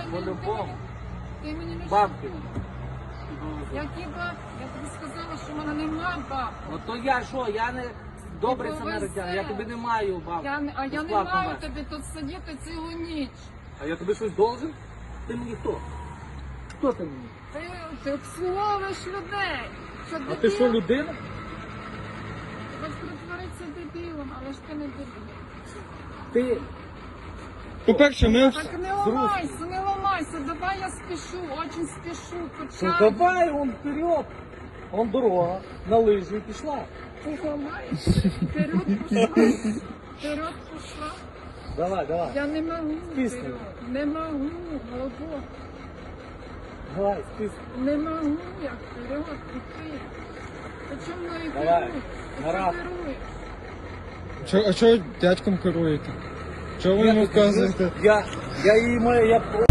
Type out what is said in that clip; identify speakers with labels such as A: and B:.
A: По-любому.
B: Ти мені не
A: Бабки.
B: шукай. Які бабки? Я тобі сказала, що в мене нема бабки.
A: Ну то я що, я не добрий
B: Ти
A: самаритян, я тобі не маю бабки.
B: А я не
A: Безплатно
B: маю
A: вести.
B: тобі тут сидіти цілу ніч.
A: А я тобі щось должен? Ти мені хто? Хто ти мені?
B: Ти обслуговуєш людей. Що
A: А ти що, людина?
B: Хоч притворитися дебілом, але ж ти не дебіл.
A: Ти
C: По-перше, ми...
B: Так не ламайся, давай я спішу, очень спішу,
A: ну,
B: почав.
A: давай он вперед. Он дорога, на лижі пішла.
B: Ти ламаєшся, вперед пішла, вперед пішла.
A: Давай.
B: Я не можу,
A: Списуй.
B: вперед. Не можу, голубо.
A: Давай, списуй.
B: Не можу я вперед піти. Ти чому мною
A: Давай,
B: керуєш? Ти
A: на раз.
B: керуєш?
C: А чого дядьком керуєте? Чого ви йому вказуєте?
A: Я її маю, я